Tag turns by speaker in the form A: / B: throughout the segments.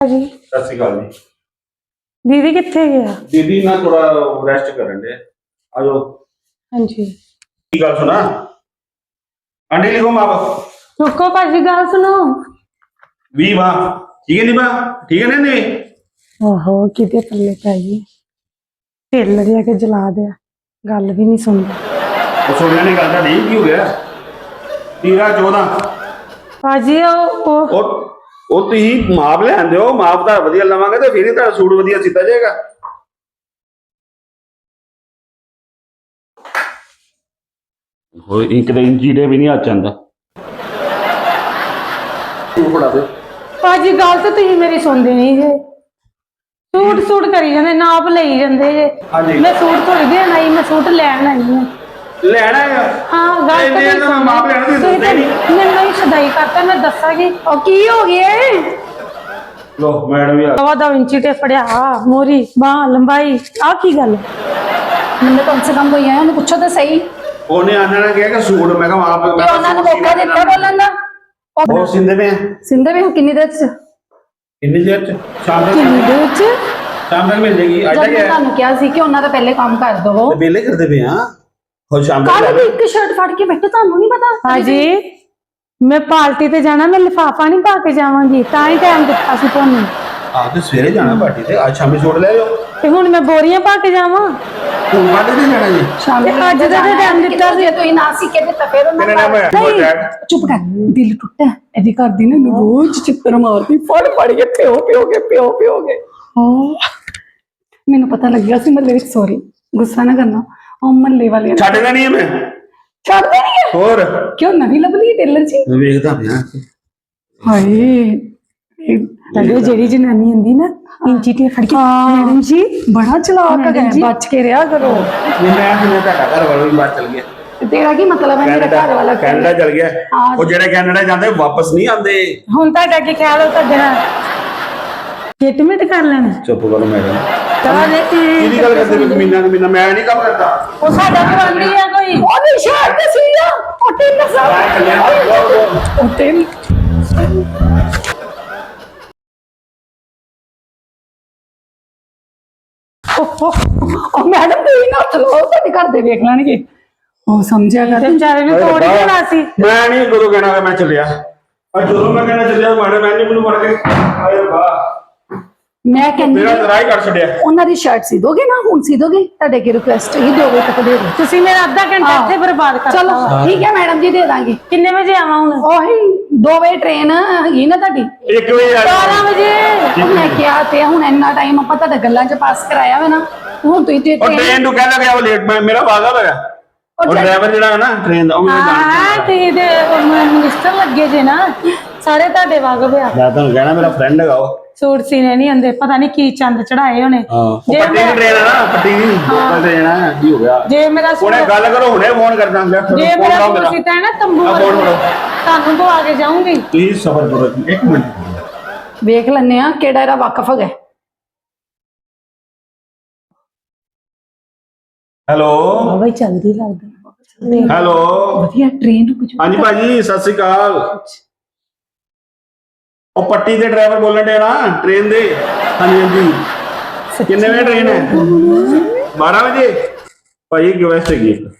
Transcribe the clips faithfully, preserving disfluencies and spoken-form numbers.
A: जी
B: सत श्री अकाल जी।
A: दीदी कित्थे गया?
B: दीदी ना थोड़ा रेस्ट करन दे। आ जाओ।
A: हाँ जी
B: की गल सुना आंटी लिखो माँ बाप
A: रुको भाजी गल सुनो।
B: वी वाह ठीक है नी बा ठीक है ना नहीं
A: ओहो किते पल्ले पै गई ढिल दिया के जला दिया गल भी नहीं सुनता।
B: वो सुनने नहीं गल नहीं की हो गया तेरह चौदह
A: भाजी ओ ओ
B: और ਉਹ ਤੁਸੀਂ ਮਾਪ ਲੈਂਦੇ ਹੋ ਮਾਪ ਦਾ ਵਧੀਆ ਲਵਾਂਗੇ ਤੇ ਫਿਰ ਹੀ ਤੁਹਾਡਾ ਸੂਟ ਵਧੀਆ ਸਿੱਧਾ ਜਾਏਗਾ। ਹੋਏ ਇੱਕ ਦੇ ਇੰਚੀ ਦੇ ਵੀ ਨਹੀਂ ਆ ਚੰਦਾ ਤੂੰ ਫੜਾ ਦੇ
A: भाजी गल तो तुम मेरी सुनते नहीं जे सूट सूट करी जाते नाप लई जाते जे
B: हाँ जी।
A: मैं सूट थोड़ी देन आई मैं सूट लैन आई हूं।
B: ਲੈਣਾ ਹੈ
A: हाँ गल तो
B: ਇੰਨੇ ਤਾਂ ਮਾਪ ਲੈਣ ਦੀ
A: तुसीं
B: ਦੱਸਦੇ ਨਹੀਂ।
A: मैनूं ही सदाई करता मैं दसांगी ओ की हो गया
B: ਲੋ ਮੈਡਮ ਵੀ ਆ
A: दवा दो इंची टे फड़िया मोरी बांह लंबाई आ की गल
C: ਮੈਨੂੰ ਕਮ ਸੇ ਕਮ ਕੋਈ ਆਇਆ ਉਹਨੂੰ ਪੁੱਛੋ ਤਾਂ ਸਹੀ
B: ਉਹਨੇ ਆਣਾ ਨੇ ਕਿਹਾ ਕਿ ਸੂਟ ਮੈਂ ਕਿਹਾ ਆਪ
C: ਤੇ ਉਹਨਾਂ ਨੂੰ ਮੌਕਾ ਦਿੱਤਾ ਬੋਲਣ ਦਾ
B: ਉਹ ਸਿੰਦੇ ਪਏ ਆ
C: ਸਿੰਦੇ ਵੀ ਕਿੰਨੀ ਦੇਰ ਚ
B: ਕਿੰਨੀ ਦੇਰ ਚ ਸ਼ਾਮ ਤੱਕ
A: किन्नी देर च
B: ਸ਼ਾਮ ਤੱਕ ਮਿਲ ਜਾਏਗੀ ਅੱਜ
C: ਜਦ
B: ਤੱਕ
C: ਮੈਂ
B: ਹੈ
C: ਤੁਹਾਨੂੰ ਕਿਹਾ ਸੀ ਕਿ ਉਹਨਾਂ ਦਾ ਪਹਿਲੇ ਕੰਮ ਕਰ ਦਵੋ
B: ਤੇ ਵੇਲੇ ਕਰਦੇ ਪਏ ਆ ਹੋਰ ਸ਼ਾਮ ਤੱਕ
C: ਕੱਲ ਵੀ ਇੱਕ ਸ਼ਰਟ ਫੜ ਕੇ ਬੈਠੇ ਤੁਹਾਨੂੰ ਨਹੀਂ ਪਤਾ
A: हाजी मैं पार्टी ते जाना मैं लिफाफा नहीं पा के जावांगी तां ही टाइम दित्ता सी तुहानू
B: ਆ ਤੇ ਸਵੇਰੇ ਜਾਣਾ ਪਾਰਟੀ ਤੇ ਅੱਜ ਸ਼ਾਮੀ ਸੂਟ ਲੈ ਜਾਓ
A: ते हुण मैं बोरियां पा के जावां
B: ਹੁਣ ਪਾਰਟੀ ਤੇ ਜਾਣਾ ਜੀ
C: ਸ਼ਾਮ
A: ਤੇ ਅੱਜ ਦਾ ਤਾਂ time ਦਿੱਤਾ ਸੀ।
C: ਜੇ ਤੁਸੀਂ ਨਾ ਸੀ ਕੇ ਦਿੱਤਾ ਫਿਰ ਉਹਨਾਂ
B: ਕਿਹਨੇ ਨਾਮ ਹੈ
C: ਨਹੀਂ,
B: ਡੈਡ
C: ਚੁੱਪ ਕਰ ਦਿਲ ਟੁੱਟਾ ਇਹਦੀ ਘਰ ਦੀ ਨਾ ਇਹਨੂੰ ਰੋਜ਼ ਚਿੱਤਰ ਮਾਰਦੀ ਫੜ ਫੜ ਕੇ ਪਿਓ ਪਿਓ ਕੇ ਪਿਓ ਪਿਓ ਕੇ ਮੈਨੂੰ ਪਤਾ ਲੱਗਿਆ ਸੀ ਮੱਲੇ ਵਿੱਚ ਸੌਰੀ ਗੁੱਸਾ ਨਾ ਕਰਨਾ ਉਹ ਮੱਲੇ ਵਾਲੇ
B: ਛੱਡ ਦੇਣੀ ਹੈ ਮੈਂ
C: ਛੱਡਦੇ ਨਹੀਂ ਹੈ
B: ਹੋਰ
C: ਕਿਉਂ ਨਵੀਂ ਲੱਭਲੀ ਟੇਲਰ ਜੀ
B: ਵੇਖਦਾ ਪਿਆ
C: ਹਾਏ
A: लगे जेड़ी जनानी हुंदी ना इंची टे फड़ के मैडम जी
C: ਬੜਾ ਚਲਾਕ
A: ਮੈਡਮ
C: ਹੈ
A: ਜੀ।
C: ਬਚ ਕੇ ਰਿਹਾ ਕਰੋ
B: ਨਹੀਂ ਮੈਂ ਸੁਣਿਆ ਤੁਹਾਡਾ ਘਰ ਵਾਲਾ ਵੀ ਬਾਹਰ ਚਲ ਗਿਆ
C: ਤੇ ਤੇਰਾ ਕੀ ਮਤਲਬ ਹੈ ਮੇਰਾ ਘਰ ਵਾਲਾ
B: ਕੈਨੇਡਾ ਚਲ ਗਿਆ
C: ਹਾਂ।
B: ਉਹ ਜਿਹੜੇ ਕੈਨੇਡਾ ਜਾਂਦੇ ਵਾਪਸ ਨਹੀਂ ਆਉਂਦੇ
A: हुण तुहाडा की ख्याल हो तुहाडे नाल किट मिट कर लेना
B: ਚੁੱਪ ਕਰੋ ਮੈਡਮ
A: चल
B: ਕਿਹਦੀ ਗੱਲ ਕਰਦੇ ਹੋ ਮਹੀਨਾ ਮਹੀਨਾ ਮੈਂ ਨਹੀਂ ਕੰਮ ਕਰਦਾ
A: ओ साडा गवांडी है कोई
C: ਉਹਦੀ ਸ਼ਰਟ ਤੇ ਸੀ ਆ ਉਹ ਟੇਲਰ ਸਾਹਿਬ ਉਹ ਟੇਲ ਉਹ ਮੈਡਮ ਤੇ ਨਾ ਚਲੋ ਤੁਹਾਡੇ ਘਰ ਦੇ ਵੇਖ ਲੈਣਗੇ ਉਹ ਸਮਝਿਆ ਕਰ
A: बेचारे ने तोड़ ही देना सी
B: ਮੈਂ ਨਹੀਂ ਗੁਰੂ ਕਹਿਣਾ ਕਿ ਮੈਂ ਚੱਲਿਆ ਅੱਜ ਜਦੋਂ ਮੈਂ ਕਹਿਣਾ ਚੱਲਿਆ ਮਾੜੇ ਮੈਂ ਨਹੀਂ ਮੈਨੂੰ ਫੜ ਕੇ ਆਏ ਵਾਹ
C: ਮੈਂ ਕਹਿੰਦੀ
B: ਮੇਰਾ ਤਰਾਈ ਕਰ ਛੱਡਿਆ
C: ਉਹਨਾਂ ਦੀ ਸ਼ਰਟ ਸੀ ਦੋਗੇ ਨਾ ਹੁਣ ਸੀ ਦੋਗੇ ਤੁਹਾਡੇ ਕੀ ਰਿਕੁਐਸਟ ਹੀ ਦੋ ਵਜੇ ਤੱਕ ਦੇ ਦਿਓ
A: ਤੁਸੀਂ ਮੇਰਾ ਅੱਧਾ ਘੰਟਾ ਇੱਥੇ ਬਰਬਾਦ ਕਰਤਾ
C: ਚਲੋ ਠੀਕ ਹੈ ਮੈਡਮ ਜੀ ਦੇ ਦਾਂਗੇ
A: ਕਿੰਨੇ ਵਜੇ ਆਵਾਂ ਹੁਣ
C: ਉਹੀ ਦੋ ਵਜੇ ਟ੍ਰੇਨ ਹੈਗੀ ਨਾ ਤੁਹਾਡੀ
B: ਇੱਕ ਵਜੇ ਆ
A: ਬਾਰਾਂ ਵਜੇ
C: ਉਹ ਮੈਂ ਕਿਹਾ ਤੇ ਹੁਣ ਇੰਨਾ ਟਾਈਮ ਆਪਾਂ ਤੁਹਾਡੇ ਗੱਲਾਂ 'ਚ ਪਾਸ ਕਰਾਇਆ ਵਾ ਨਾ ਹੁਣ ਤੁਸੀਂ ਤੇ
B: ਉਹ
C: ਟ੍ਰੇਨ
B: ਟ੍ਰੇਨ ਨੂੰ ਕਹਿ ਲੱਗਿਆ ਉਹ ਲੇਟ ਮੈਂ ਮੇਰਾ ਵਾਦਾ ਹੋਇਆ ਉਹ ਡਰਾਈਵਰ ਜਿਹੜਾ ਹੈ ਨਾ ਟ੍ਰੇਨ ਦਾ ਉਹ ਮੈਨੂੰ ਜਾਣਦਾ
A: ਹਾਂ ਤੇ ਦੇ ਮਿਨਿਸਟਰ ਲੱਗੇ ਜੇ ਨਾ ਸਾਰੇ ਤੁਹਾਡੇ ਵਾਗਬ ਆ
B: ਮੈਂ ਤੁਹਾਨੂੰ ਕਹਿਣਾ ਮੇਰਾ ਫਰੈਂਡ ਹੈਗਾ ਉਹ
A: ਸੂਟ ਸੀਨੇ ਨਹੀਂ ਆਂਦੇ ਪਤਾ ਨਹੀਂ ਕੀ ਚੰਦ ਚੜਾਏ ਹੋਣੇ
B: ਹਾਂ ਉਹ
A: ਜੇ
B: ਪੱਟੀ ਦੀ
A: ਮੈਂ-
B: ਟ੍ਰੇਨ ਹੈ ਨਾ ਪੱਟੀ ਦੀ ਲੋਕਲ ਟ੍ਰੇਨ ਹੈ ਕੀ ਹੋ ਗਿਆ
A: ਜੇ ਮੇਰਾ ਸੂਟ
B: ਹੁਣੇ ਗੱਲ ਕਰੋ ਹੁਣੇ ਫੋਨ ਕਰਦਾ ਲੈ
A: ਜੇ
B: ਫੋਨ
A: ਮੇਰਾ
B: ਲਾਓ
A: ਸੂਟ
B: ਮੇਰਾ
A: ਸੀਤਾ ਹੈ ਨਾ ਤੰਬੂ
B: ਆ ਫੋਨ
A: ਵਾਲਾ,
B: ਕਰੋ
A: ਤੁਹਾਨੂੰ ਤੋਂ ਆ ਕੇ ਜਾਊਂਗੀ
B: ਪਲੀਜ਼ ਸਬਰ ਕਰੋ ਇੱਕ ਮਿੰਟ
C: ਵੇਖ ਲੈਣੇ ਆ ਕਿਹੜਾ ਇਹਦਾ ਵਾਕਫ ਹੈਗਾ
B: ਹੈਲੋ
A: ਬਾਬਾ ਹੀ ਚੱਲਦੀ ਲੱਗਦਾ
B: ਹੈਲੋ
C: ਵਧੀਆ ਟ੍ਰੇਨ ਕੁਝ
B: ਹਾਂਜੀ ਭਾਜੀ ਸਤਿ ਸ਼੍ਰੀ ਅਕਾਲ ਉਹ ਪੱਟੀ ਦੇ ਡਰਾਈਵਰ ਬੋਲਣ ਦੇ ਨਾ ਟ੍ਰੇਨ ਦੇ ਹਾਂਜੀ ਹਾਂਜੀ ਕਿੰਨੇ ਵਜੇ ਟ੍ਰੇਨ ਹੈ ਬਾਰਾਂ ਵਜੇ ਭਾਈ ਰਿਕੁਐਸਟ ਹੈਗੀ ਇੱਕ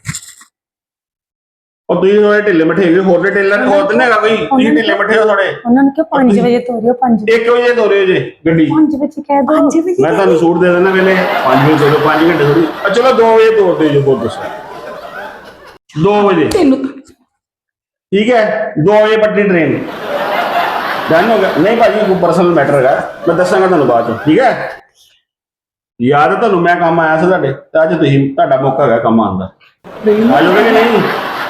B: ਉਹ ਤੁਸੀਂ ਥੋੜੇ ਢਿੱਲੇ ਮੱਠੇ ਹੈਗੇ ਹੋਰ ਦੇ ਟੇਲਰ ਹੋਰ ਤੇ ਨਹੀਂ ਹੈਗਾ ਕੋਈ ਤੁਸੀਂ ਢਿੱਲੇ ਮੱਠੇ ਹੋ ਥੋੜੇ
A: ਉਹਨਾਂ ਨੂੰ ਕਿ ਪੰਜ ਵਜੇ ਤੋਰਿਓ ਪੰਜ
B: ਇੱਕ ਵਜੇ ਤੋਰਿਓ ਜੇ ਗੱਡੀ
A: ਪੰਜ ਵਜੇ ਕਹਿ ਦੋ ਪੰਜ ਵਜੇ
B: ਮੈਂ ਤੁਹਾਨੂੰ ਸੂਟ ਦੇ ਦੇਣਾ ਵੇਲੇ ਪੰਜ ਵਜੇ ਤੋਰਿਓ ਪੰਜ ਘੰਟੇ ਥੋੜੀ ਆ ਚਲੋ ਦੋ ਵਜੇ ਤੋਰ ਦਿਓ ਜੀ ਬਹੁਤ ਦੱਸੋ ਦੋ ਵਜੇ
C: ਤੈਨੂੰ
B: ਠੀਕ ਹੈ ਦੋ ਵਜੇ ਪੱਟੀ ਟ੍ਰੇਨ ਡਨ ਹੋ ਗਿਆ ਨਹੀਂ ਭਾਜੀ ਕੋਈ ਪਰਸਨਲ ਮੈਟਰ ਹੈਗਾ ਮੈਂ ਦੱਸਾਂਗਾ ਤੁਹਾਨੂੰ ਬਾਅਦ ਚ ਠੀਕ ਹੈ ਯਾਦ ਹੈ ਤੁਹਾਨੂੰ ਮੈਂ ਕੰਮ ਆਇਆ ਸੀ ਤੁਹਾਡੇ ਤੇ ਅੱਜ ਤੁਸੀਂ ਤੁਹਾਡਾ ਮੌਕਾ ਹੈਗਾ ਕੰਮ ਆਉਣ ਦਾ ਆ ਜਾਓਗੇ ਕਿ ਨਹੀਂ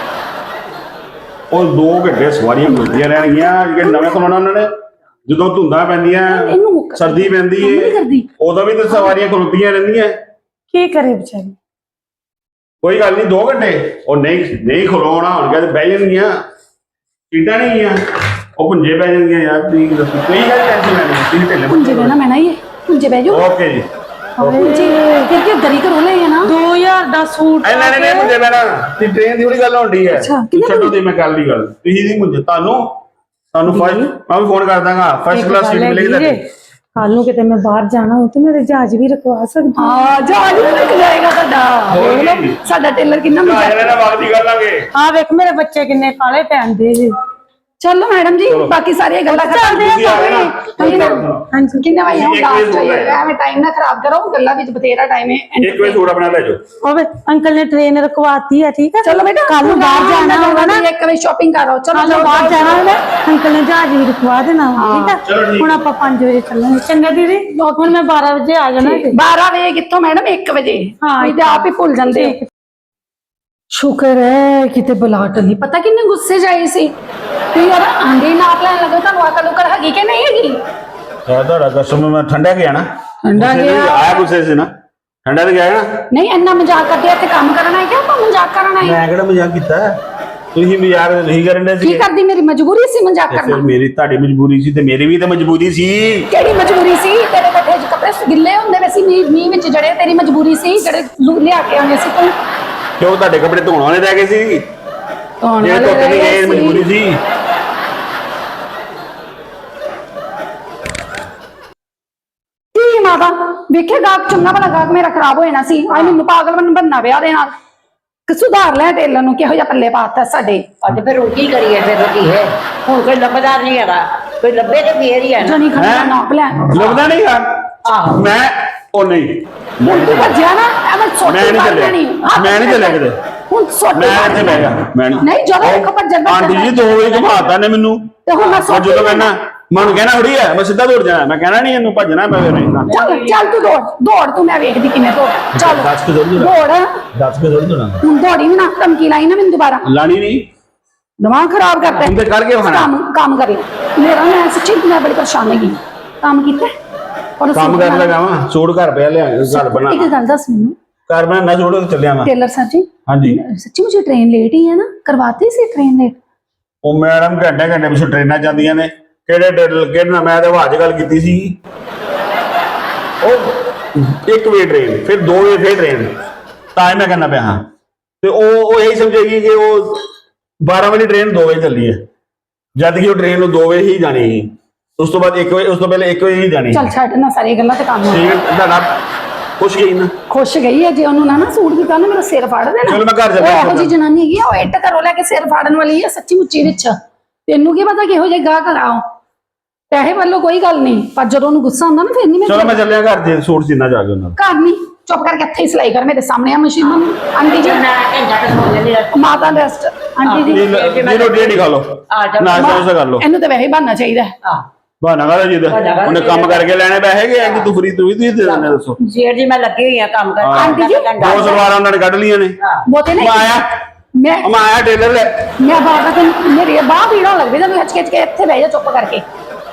B: ਉਹ ਦੋ ਘੰਟੇ ਸਵਾਰੀਆਂ ਮਿਲਦੀਆਂ ਰਹਿਣਗੀਆਂ ਜਿਹੜੇ ਨਵੇਂ ਖਲੋਣਾ ਉਹਨਾਂ ਨੇ ਜਦੋਂ ਧੁੰਦਾਂ ਪੈਂਦੀਆਂ
C: ਇਹਨੂੰ ਮੁੱਕ-
B: ਸਰਦੀ ਪੈਂਦੀ
C: ਨਹੀਂ
B: ਏ
C: ਕਰਦੀ
B: ਉਦੋਂ ਵੀ ਤਾਂ ਸਵਾਰੀਆਂ ਖਲੋਤੀਆਂ ਰਹਿੰਦੀਆਂ
A: ਕੀ ਕਰੇ ਵਿਚਾਰੀ
B: ਕੋਈ ਗੱਲ ਨਹੀਂ ਦੋ ਘੰਟੇ ਉਹ ਨਹੀਂ ਨਹੀਂ ਖਲੋਣਾ ਹੋਣਗੇ ਤੇ ਬਹਿ ਜਾਣਗੀਆਂ ਸੀਟਾਂ ਨਹੀਂ ਗਈਆਂ ਉਹ ਪੁੰਜੇ ਬਹਿ ਜਾਣਗੀਆਂ ਯਾਰ ਤੁਸੀਂ ਦੱਸੋ ਕੋਈ ਗੱਲ ਟੈਨਸ਼ਨ ਲੈਣੀ ਤੁਸੀਂ ਢਿੱਲੇ
C: ਪੁੰਜੇ ਬਹਿਣਾ ਮੈਂ ਨਾ ਇਹ ਪੁੰਜੇ ਬਹਿ ਜਾਓ
B: ਓਕੇ ਜੀ
C: ਪੁੰਜੇ ਫਿਰ ਕੀ ਗਰੀ ਕਰੋ ਲੈ ਨਾ
A: ਦੋ ਹਜ਼ਾਰ ਦਾ ਸੂਟ
B: ਐ ਨਹੀਂ ਨਹੀਂ ਮੁੰਡੇ ਬਹਿਣਾ ਤੇ ਟ੍ਰੇਨ ਦੀ ਬੜੀ ਗੱਲ ਹੁੰਦੀ ਹੈ
C: ਅੱਛਾ,
B: ਤੂੰ ਛੱਡੋ ਤੇ ਮੈਂ ਕਰ ਲਈ ਗੱਲ ਤੁਸੀਂ ਦੀ ਮੁੰਡੇ ਤੁਹਾਨੂੰ ਤੁਹਾਨੂੰ ਫਸਟ ਮੈਂ ਵੀ ਫੋਨ ਕਰ ਦਾਂਗਾ ਫਸਟ ਕਲਾਸ ਸੀਟ ਮਿਲੇਗੀ ਤੁਹਾਨੂੰ
A: ਕੱਲ ਨੂੰ ਕਿਤੇ ਮੈਂ ਬਾਹਰ ਜਾਣਾ ਹੋ ਤੇ ਮੇਰੇ ਜਹਾਜ਼ ਵੀ ਰਖਵਾ ਸਕਦੀ ਹਾਂ।
C: ਹਾਂ ਜਹਾਜ਼ ਵੀ ਨਿਕ ਜਾਏਗਾ ਸਾਡਾ।
B: ਹੋਰ
C: ਦੇਖ ਲਓ,
B: ਕੀ?
C: ਸਾਡਾ ਟੇਲਰ ਕਿੰਨਾ ਮਜ਼ਾ
B: ਇਹਨੇ ਨਾਲ ਵਕਤ ਦੀ ਗੱਲ ਆਗੇ
A: ਆ ਵੇਖ ਮੇਰੇ ਬੱਚੇ ਕਿੰਨੇ ਕਾਲੇ ਪੈਂਦੇ ਜੀ।
C: ਚਲੋ ਮੈਡਮ ਜੀ ਬਾਕੀ ਸਾਰੀਆਂ ਗੱਲਾਂ
A: ਚੱਲਦੇ
B: ਤੁਸੀਂ ਆ ਗਏ ਨਾ?
A: ਹਾਂਜੀ
C: ਕਿੰਨੇ ਵਜੇ
B: ਤੁਸੀਂ ਇੱਕ
C: ਆਉਂਦਾ
B: ਵਜੇ ਸੌ ਲੈ ਜਾਓ।
C: ਐਵੇਂ ਟਾਈਮ ਨਾ ਖਰਾਬ ਕਰੋ, ਗੱਲਾਂ ਵਿੱਚ ਬਥੇਰਾ ਟਾਈਮ ਹੈ।
B: ਇੱਕ ਵਜੇ ਸੂਟ ਆਪਣਾ ਲੈ ਜਾਓ।
A: ਉਹ ਵੇ ਅੰਕਲ ਨੇ ਟ੍ਰੇਨ ਰਖਵਾਤੀ ਹੈ ਠੀਕ ਹੈ।
C: ਚਲੋ ਬੇਟਾ
A: ਕੱਲ ਨੂੰ ਬਾਹਰ ਜਾਣਾ ਹੋਗਾ ਨਾ,
C: ਇੱਕ ਵਜੇ ਸ਼ਾਪਿੰਗ ਕਰੋ। ਚਲੋ
A: ਕੱਲ ਨੂੰ ਬਾਹਰ ਜਾਣਾ ਹੋਗਾ ਅੰਕਲ ਨੇ ਜਹਾਜ਼ ਵੀ ਰਖਵਾ ਦੇਣਾ ਵਾ, ਠੀਕ
B: ਚਲੋ
A: ਹੈ।
B: ਠੀਕ
A: ਹੁਣ ਆਪਾਂ ਪੰਜ ਵਜੇ ਚੱਲਾਂਗੇ। ਚੰਗਾ ਦੀਦੀ ਹੁਣ ਮੈਂ ਬਾਰਾਂ ਵਜੇ ਆ ਜਾਣਾ ਜੀ।
C: ਬਾਰਾਂ ਵਜੇ ਕਿੱਥੋਂ ਮੈਡਮ ਇੱਕ ਵਜੇ।
A: ਹਾਂ,
C: ਤੁਸੀਂ ਤੇ ਆਪ ਹੀ ਭੁੱਲ ਜਾਂਦੇ ਹੋ। ਸ਼ੁਕਰ ਹੈ ਕਿਤੇ ਬੁਲਾਟ ਨਹੀਂ ਪਤਾ ਕਿੰਨੇ ਗੁੱਸੇ ਜਾਈ ਸੀ ਤੇ ਯਾਰ ਆਂਦੇ ਨਾਪ ਲੈਣ ਲੱਗੇ। ਤੁਹਾਨੂੰ ਅਕਲ ਉਕਲ ਹੈਗੀ ਕਿ ਨਹੀਂ ਹੈਗੀ?
B: ਯਾਰ ਤੁਹਾਡਾ ਕਸਟਮਰ ਮੈਂ ਠੰਡਾ ਗਿਆ ਨਾ,
C: ਠੰਡਾ
B: ਗੁੱਸੇ
C: ਗਿਆ।
B: ਤੇ ਆਇਆ ਗੁੱਸੇ ਸੀ ਨਾ, ਠੰਡਾ ਤੇ ਗਿਆ ਨਾ।
C: ਨਹੀਂ ਇੰਨਾ ਮਜ਼ਾਕ ਕਰਦੇ ਇੱਥੇ ਕੰਮ ਕਰਨਾ ਹੈ ਕਿ ਆਪਾਂ ਮਜ਼ਾਕ ਕਰਨਾ ਹੈ?
B: ਮੈਂ ਕਿਹੜਾ ਮਜ਼ਾਕ ਕੀਤਾ? ਤੁਸੀਂ ਮਜ਼ਾਕ ਨਹੀਂ ਕਰਨ ਦੇ
C: ਕੀ
B: ਸੀ।
C: ਕਰਦੀ? ਮੇਰੀ ਮਜਬੂਰੀ ਸੀ ਮਜ਼ਾਕ
B: ਫਿਰ
C: ਕਰਨਾ।
B: ਮੇਰੀ ਤੁਹਾਡੀ ਮਜਬੂਰੀ ਸੀ ਤੇ ਮੇਰੀ ਵੀ ਤਾਂ ਮਜਬੂਰੀ ਸੀ।
C: ਕਿਹੜੀ ਮਜਬੂਰੀ ਸੀ? ਤੇਰੇ ਕੱਠੇ ਚ ਕੱਪੜੇ ਗਿੱਲੇ ਹੁੰਦੇ ਵੇ ਸੀ ਮੀਂਹ ਮੀਂਹ ਵਿੱਚ ਜੜੇ। ਤੇਰੀ ਮਜਬੂਰੀ ਸੀ ਜਿਹੜੇ ਲੂ ਲਿਆ ਕੇ ਆਉਣੇ ਸੀ ਤੂੰ।
B: ਕਿਉਂ ਤੁਹਾਡੇ ਕੱਪੜੇ ਧੋਣ ਵਾਲੇ ਰਹਿ ਗਏ ਸੀ?
C: ਧੋਣ
B: ਜੇ
C: ਵਾਲੇ
B: ਧੁੱਪ ਨਹੀਂ
C: ਰਹਿ
B: ਗਏ
C: ਗਏ
B: ਮਜਬੂਰੀ
C: ਸੀ।
B: ਸੀ।
C: ਕੀ ਮਾਤਾ ਵੇਖੇ ਗਾਹਕ ਚੰਗਾ ਭਲਾ ਗਾਹਕ ਮੇਰਾ ਖਰਾਬ ਹੋ ਜਾਣਾ ਸੀ। ਆਈ ਮੈਨੂੰ ਪਾਗਲ ਬਣ ਬੰਨਾ ਵਿਆਹ ਦੇ ਨਾਲ। ਕਿ ਸੁਧਾਰ ਲੈ ਟੇਲਰ ਨੂੰ, ਕਿਹੋ ਜਿਹਾ ਪੱਲੇ ਪਾਤਾ ਸਾਡੇ।
D: ਅੱਜ ਫਿਰ ਹੁਣ ਕੀ ਕਰੀਏ? ਫਿਰ ਰੋਟੀ ਹੈ ਹੁਣ ਕੋਈ ਲੱਭਦਾ ਨਹੀਂ ਹੈਗਾ। ਕੋਈ ਲੱਭੇ ਤੇ ਫੇਰ ਹੀ ਹੈ ਨਾ।
C: ਜਣੀ ਖੜਾ ਨਾਪ ਲੈ।
B: ਲੱਭਦਾ ਨਹੀਂ ਯਾਰ।
D: ਆਹੋ
B: ਮੈਂ ਉਹ ਨਹੀਂ ਮੈਂ
C: ਹੁਣ ਤੂੰ ਭੱਜਿਆ ਨਾ ਐਵੇਂ ਸੋਟੀ
B: ਮੈਂ ਨਹੀਂ
C: ਮਾਰ
B: ਚੱਲਿਆ।
C: ਲੈਣੀ।
B: ਮੈਂ ਨਹੀਂ ਚੱਲਿਆ ਕਿਤੇ।
C: ਹੁਣ ਸੋਟੀ
B: ਮੈਂ
C: ਮਾਰ
B: ਇੱਥੇ ਬਹਿ ਗਿਆ। ਮੈਂ ਨਹੀਂ
C: ਨਹੀਂ ਜਦੋਂ ਦੇਖੋ ਭੱਜਣ
B: ਆਂਟੀ ਜੀ ਦੋ ਵਜੇ ਘਮਾਤਾ ਨੇ ਮੈਨੂੰ।
C: ਤੇ ਹੁਣ ਮੈਂ
B: ਮੈਂ
C: ਸੋਟੀ
B: ਜਦੋਂ ਕਹਿਣਾ ਮੈਂ ਉਹਨੂੰ ਕਹਿਣਾ ਥੋੜੀ ਹੈ ਮੈਂ ਸਿੱਧਾ ਦੌੜ ਜਾਣਾ। ਮੈਂ ਕਹਿਣਾ ਨਹੀਂ ਇਹਨੂੰ ਭੱਜਣਾ ਮੈਂ ਫਿਰ ਨਹੀਂ।
C: ਚੱਲ ਚੱਲ ਤੂੰ ਦੌੜ ਦੌੜ ਤੂੰ, ਮੈਂ ਵੇਖਦੀ ਕਿਵੇਂ ਦੌੜ। ਚੱਲ
B: ਦੱਸ ਕੇ ਦੌੜੀ
C: ਦੌੜ।
B: ਦੱਸ ਕੇ ਦੌੜੀ ਦੌੜਾਂ
C: ਹੁਣ ਦੌੜੀ ਵੀ ਨਾ, ਧਮਕੀ ਲਾਈ ਨਾ ਮੈਨੂੰ ਦੁਬਾਰਾ।
B: ਲਾਣੀ ਨਹੀਂ
C: ਦਿਮਾਗ ਖਰਾਬ ਕਰਤਾ
B: ਤੂੰ ਤੇ ਕਰਕੇ ਵਿਖਾਉਣਾ।
C: ਕੰਮ ਕੰਮ ਕਰ ਲੈ ਮੇਰਾ। ਮੈਂ ਸੱਚੀ ਮੈਂ ਬੜੀ ਪਰੇਸ਼ਾਨ ਹੈਗੀ। ਕੰਮ ਕੀਤਾ ਔਰ
B: ਕੰਮ ਕਰਨ ਲੱਗਾ ਵਾਂ। ਸੂਟ ਘਰ ਪਿਆ ਲਿਆ ਘਰ ਬਣਾ
C: ਇੱਕ ਗੱਲ ਦੱਸ ਮੈਨੂੰ,
B: ਘਰ ਬਣਾਉਣਾ ਸੂਟ ਤੇ ਚੱਲਿਆ ਮੈਂ।
C: टेलर सर जी
B: ਹਾਂਜੀ
C: सच्ची मुझे ट्रेन लेट ही है ना? करवाते सी ट्रेन लेट?
B: ਉਹ ਮੈਡਮ ਘੰਟੇ ਘੰਟੇ ਪਿੱਛੋਂ ਟ੍ਰੇਨਾਂ ਜਾਂਦੀਆਂ ਨੇ। ਕਿਹੜੇ ਟ੍ਰੇਨ ਕਿਹੜਾ ਮੈਂ ਤਾਂ ਹਵਾਜ ਗੱਲ ਕੀਤੀ ਸੀ। ਉਹ ਇੱਕ ਵੇ ਟ੍ਰੇਨ ਫਿਰ ਦੋ ਵੇ ਫਿਰ ਟ੍ਰੇਨ ਤਾਂ ਹੀ ਮੈਂ ਕਹਿੰਦਾ ਪਿਆ ਹਾਂ। ਤੇ ਉਹ ਉਹ ਇਹੀ ਸਮਝੇਗੀ ਕਿ ਉਹ ਬਾਰਾਂ ਵਜੇ ਟ੍ਰੇਨ ਦੋ ਵਜੇ ਚੱਲੀ ਹੈ ਜਦ ਕਿ ਉਹ ਟ੍ਰੇਨ ਨੂੰ ਦੋ ਵਜੇ ਹੀ ਜਾਣੀ ਸੀ। ਉਸ ਤੋਂ ਬਾਅਦ ਇੱਕ ਵਜੇ ਉਸ ਤੋਂ ਪਹਿਲੇ ਇੱਕ ਵਜੇ ਹੀ ਜਾਣੀ।
C: चल छੱਡ ਨਾ ਸਾਰੀ ਗੱਲਾਂ ਤੇ ਕੰਮ
B: ਠੀਕ ਹੈ ਤੁਹਾਡਾ ਖੁਸ਼ ਗਈ ਨਾ।
C: ਖੁਸ਼ ਗਈ ਹੈ ਜੇ ਉਹਨੂੰ ਨਾ ਨਾ ਸੂਟ ਦਿੱਤਾ ਨਾ ਮੇਰਾ ਸਿਰ ਫਾੜ ਦੇਣਾ।
B: ਚਲੋ ਮੈਂ ਘਰ ਜਾ
C: ਉਹ ਜੀ ਜਨਾਨੀ ਹੈਗੀ ਆ, ਉਹ ਇੱਟ ਘਰੋਂ ਲੈ ਕੇ ਸਿਰ ਫਾੜਨ ਵਾਲੀ ਹੈ ਸੱਚੀ ਮੁੱਚੀ ਵਿੱਚ। ਤੈਨੂੰ ਕੀ ਪਤਾ ਕਿਹੋ ਜਿਹੇ ਗਾਹ ਕਰਾਓ। ਪੈਸੇ ਵੱਲੋਂ ਕੋਈ ਗੱਲ ਨਹੀਂ, ਪਰ ਜਦੋਂ ਉਹਨੂੰ ਗੁੱਸਾ ਆਉਂਦਾ ਨਾ ਫਿਰ ਨਹੀਂ ਮੈਂ
B: ਚਲੋ ਮੈਂ ਚੱਲਿਆ ਘਰ ਦੇ ਸੂਟ ਸੀਨਾ ਜਾ ਕੇ ਉਹਨਾਂ ਦਾ।
C: ਘਰ ਨਹੀਂ ਚੁੱਪ ਕਰਕੇ ਇੱਥੇ ਹੀ ਸਿਲਾਈ ਕਰ ਮੇਰੇ ਸਾਹਮਣੇ ਆ ਮਸ਼ੀਨ ਨੂੰ। ਆਂਟੀ ਜੀ
D: ਮੈਂ ਘੰਟਾ ਕੁ ਸੌ ਜਾਂਦੀ ਆ।
C: ਮਾਤਾ ਰੈਸਟ। ਆਂਟੀ ਜੀ
B: ਜੀ ਜੀ ਰੋਟੀ ਨਹੀਂ ਖਾ ਲਓ
D: ਆ ਜਾ
B: ਨਾਸ਼ਤਾ ਉਸੇ ਕਰ ਲਓ।
C: ਇਹਨੂੰ ਤਾਂ ਵੈਸੇ ਹੀ ਬਹਾਨਾ ਚਾਹੀਦਾ ਹੈ।
D: ਆ
B: ਬਹਾਨਾ ਕਾਹਦਾ ਜੀ ਦਾ?
D: ਬਹਾਨਾ ਕਾਹਦਾ
B: ਉਹਨੇ ਕੰਮ
D: ਚਾਹੀਦਾ?
B: ਕਰਕੇ ਲੈਣੇ ਪੈਸੇ ਕਿ ਐਂ ਕਿ ਤੂੰ ਫਰੀ ਤੂੰ ਵੀ ਤੁਸੀਂ ਦੇ ਦਿੰਦੇ ਦੱਸੋ।
D: ਜੇਰ ਜੀ ਮੈਂ ਲੱਗੀ ਹੋਈ ਆ ਕੰਮ ਕਰ।
C: ਆਂਟੀ ਜੀ,
B: ਦੋ ਸਲਵਾਰਾਂ ਉਹਨਾਂ ਨੇ ਕੱਢ ਲਈਆਂ ਨੇ।
C: ਬਹੁਤੇ ਨਹੀਂ
B: ਮੈਂ ਆਇਆ
C: ਮੈਂ
B: ਮੈਂ ਆਇਆ ਟੇਲਰ ਲੈ
C: ਮੈਂ ਬਾਹਰ ਤੱਕ ਮੇਰੀ ਬਾਹ ਪੀੜਾਂ ਲੱਗਦੀ ਤਾਂ ਹੱਚ ਕੇ ਇੱਥੇ ਬਹਿ ਜਾ ਚੁੱਪ ਕਰਕੇ।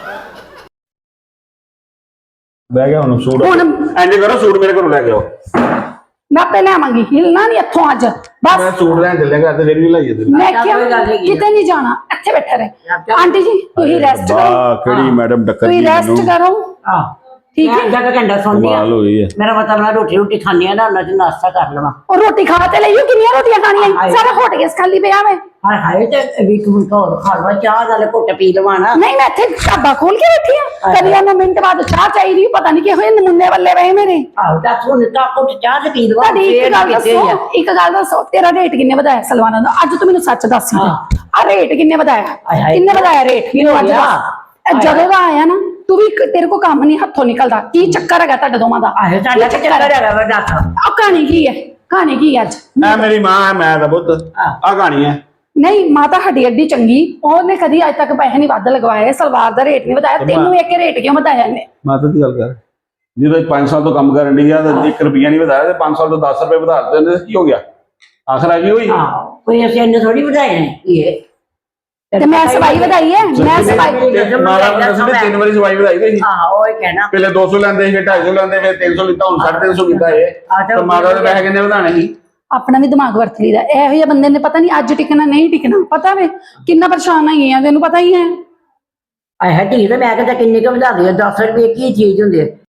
B: ਬਹਿ ਗਿਆ ਹੁਣ ਸੂਟ
C: ਹੁਣ
B: ਇੰਜ ਕਰੋ ਸੂਟ ਮੇਰੇ ਘਰੋਂ ਲੈ ਕੇ ਆਓ।
C: ਮੈਂ ਪਹਿਲੇ ਆਵਾਂਗੀ, ਹਿਲਣਾ ਨਹੀਂ ਇੱਥੋਂ ਅੱਜ ਬਸ।
B: ਮੈਂ ਸੂਟ ਲੈਣ ਚੱਲਿਆ ਘਰ ਤੇ ਫਿਰ ਵੀ ਲਾਈਏ ਤੇ
C: ਮੈਂ
D: ਚੱਲ
C: ਕਿਹਾ
D: ਕੋਈ ਗੱਲ ਨੀ।
C: ਕਿਤੇ ਨਹੀਂ ਜਾਣਾ, ਇੱਥੇ ਬੈਠਾ ਰਹੇ।
D: ਚੱਲ।
C: ਆਂਟੀ ਜੀ ਤੁਸੀਂ ਰੈਸਟ ਕਰੋ,
B: ਵਾਹ ਕਿਹੜੀ ਮੈਡਮ ਟੱਕਰ
C: ਤੁਸੀਂ
B: ਗਈ
C: ਰੈਸਟ
B: ਮੈਨੂੰ।
C: ਕਰੋ।
D: ਆ
C: ਠੀਕ ਹੈ।
D: ਜਾ ਕੇ ਘੰਟਾ ਸੌਂਦੀ ਆ।
B: ਕਮਾਲ ਹੋਈ ਹੈ।
D: ਮੇਰਾ ਮਤਲਬ ਮੈਂ ਰੋਟੀ ਰੋਟੀ ਖਾਣੀ ਆ ਨਾ, ਉਹਨਾਂ ਚ ਨਾਸ਼ਤਾ ਕਰ ਲਵਾਂ।
C: ਉਹ ਰੋਟੀ ਖਾ ਤੇ ਲਈਓ, ਕਿੰਨੀਆਂ ਰੋਟੀਆਂ ਖਾਣੀਆਂ?
D: ਹਾਏ।
C: ਸਾਰਾ ਹੋਟ ਗਿਆ ਖਾਲੀ ਪਿਆ ਮੈਂ।
D: ਹਾਏ ਹਾਏ ਤੇ ਵੀ ਤੂੰ ਹੋਰ ਖਾ ਲਵਾ, ਚਾਹ ਨਾਲ ਘੁੱਟ ਪੀ ਲਵਾਂ ਨਾ।
C: ਨਹੀਂ ਮੈਂ ਇੱਥੇ ਢਾਬਾ ਖੋਲ ਕੇ ਬੈਠੀ ਆ। ਕਦੀ ਉਹਨਾਂ ਮਿੰਟ ਬਾਅਦ ਚਾਹ ਚਾਹੀਦੀ, ਪਤਾ ਨਹੀਂ ਕਿਹੋ ਜਿਹੇ ਨਮੂਨੇ ਵੱਲੇ ਪਏ ਮੇਰੇ।
D: ਆਹੋ ਦੱਸ ਹੁਣ ਤਾਂ ਘੁੱਟ ਚਾਹ ਤੇ ਪੀ ਲਵਾਂ।
C: ਤੁਹਾਡੀ ਇੱਕ
D: ਫੇਰ
C: ਗੱਲ
D: ਕਿਤੇ
C: ਦੱਸੋ,
D: ਆ।
C: ਇੱਕ ਗੱਲ ਦੱਸੋ, ਤੇਰਾ ਰੇਟ ਕਿੰਨੇ ਵਧਾਇਆ ਸਲਵਾਨਾਂ ਦਾ? ਅੱਜ ਤੂੰ ਮੈਨੂੰ ਸੱਚ ਦੱਸ ਹੀ
D: ਹਾਂ।
C: ਆ ਰੇਟ ਕਿੰਨੇ ਵਧਾਇਆ?
D: ਹਾਏ ਹਾਏ।
C: ਕਿੰਨੇ ਵਧਾਇਆ ਰੇਟ ਮੈਨੂੰ ਅੱਜ
D: ਹੋਇਆ?
C: ਦੱਸ। ਇਹ ਜਦੋਂ ਦਾ ਆਇਆ ਨਾ ਤੂੰ ਵੀ ਇੱਕ- ਤੇਰੇ ਕੋ ਕੰਮ ਨਹੀਂ ਹੱਥੋਂ ਨਿਕਲਦਾ। ਕੀ ਚੱਕਰ ਹੈਗਾ ਤੁਹਾਡੇ ਦੋਵਾਂ ਦਾ?
D: ਆਹੋ ਸਾਡਾ
C: ਕੀ
D: ਚੱਕਰ ਹੈਗਾ ਵਾ ਦੱਸ।
C: ਆ ਕਹਾਣੀ ਕੀ ਹੈ? ਕਹਾਣੀ ਕੀ ਹੈ ਅੱਜ?
B: ਐ ਮੇਰੀ ਮਾਂ ਹੈ ਮੈਂ ਤਾਂ ਪੁੱਤ ਆ ਕਹਾਣੀ ਹੈ।
C: ਨਹੀਂ ਮਾਤਾ ਹੱਡੀ ਅੱਡੀ ਚੰਗੀ, ਉਹਨੇ ਕਦੀ ਅੱਜ ਤੱਕ ਪੈਸੇ ਨਹੀਂ ਵੱਧ ਲਗਵਾਏ, ਸਲਵਾਰ ਦਾ ਰੇਟ ਨਹੀਂ ਵਧਾਇਆ। ਤੈਨੂੰ ਇੱਕ ਰੇਟ ਕਿਉਂ ਵਧਾਇਆ ਇਹਨੇ?
B: ਮਾਤਾ ਦੀ ਗੱਲ ਕਰ ਜਦੋਂ ਪੰਜ ਸਾਲ ਤੋਂ ਕੰਮ ਕਰਨ ਦੀ ਆ ਤਾਂ ਇੱਕ ਰੁਪਿਆ ਨਹੀਂ ਵਧਾਇਆ ਤੇ ਪੰਜ ਸਾਲ ਤੋਂ ਦਸ ਰੁਪਏ ਵਧਾ ਦਿੱਤੇ ਨੇ। ਕੀ ਹੋ ਗਿਆ? ਆਖਰ ਆ ਗਈ ਹੋਈ।
D: ਹਾਂ ਕੋਈ ਅਸੀਂ ਇੰਨੇ ਥੋੜੀ ਵਧਾਏ ਨੇ ਇਹ।
C: ਤੇ ਮੈਂ ਸਵਾਈ ਵਧਾਈ ਹੈ, ਮੈਂ ਸਵਾਈ।
B: ਮਾਰਾ ਮੈਂ ਦੱਸਦੇ ਤਿੰਨ ਵਾਰੀ ਸਵਾਈ ਵਧਾਈ ਗਈ।
D: ਹਾਂ ਉਹ ਹੀ ਕਹਿਣਾ।
B: ਪਹਿਲੇ ਦੋ ਸੌ ਲੈਂਦੇ ਸੀ ਫਿਰ ਢਾਈ ਸੌ ਲੈਂਦੇ ਫਿਰ ਤਿੰਨ ਸੌ ਲਿੱਤਾ ਹੁਣ ਸਾਢੇ ਤਿੰਨ ਸੌ ਕੀਤਾ ਇਹ। ਤੇ ਮਾਤਾ ਦੇ ਪੈਸੇ ਕਿੰਨੇ ਵਧਾਣੇ ਸੀ?
C: ਆਪਣਾ ਵੀ ਦਿਮਾਗ ਵਰਤ ਲਈਦਾ। ਇਹੋ ਜਿਹੇ ਬੰਦੇ ਨੇ ਪਤਾ ਨਹੀਂ ਅੱਜ ਟਿਕਣਾ ਨਹੀਂ ਟਿਕਣਾ। ਪਤਾ ਵੇ ਕਿੰਨਾ ਪਰੇਸ਼ਾਨ ਹੈਗੀ ਆ, ਤੈਨੂੰ ਪਤਾ ਹੀ ਹੈ।
D: ਆਏ ਹੈ ਢੀ ਤੇ ਮੈਂ ਕਹਿੰਦਾ ਕਿੰਨੇ ਕੁ ਵਧਾ ਦਿਓ? ਦਸ ਰੁਪਏ ਕੀ ਚੀਜ਼ ਹੁੰਦੀ ਹੈ?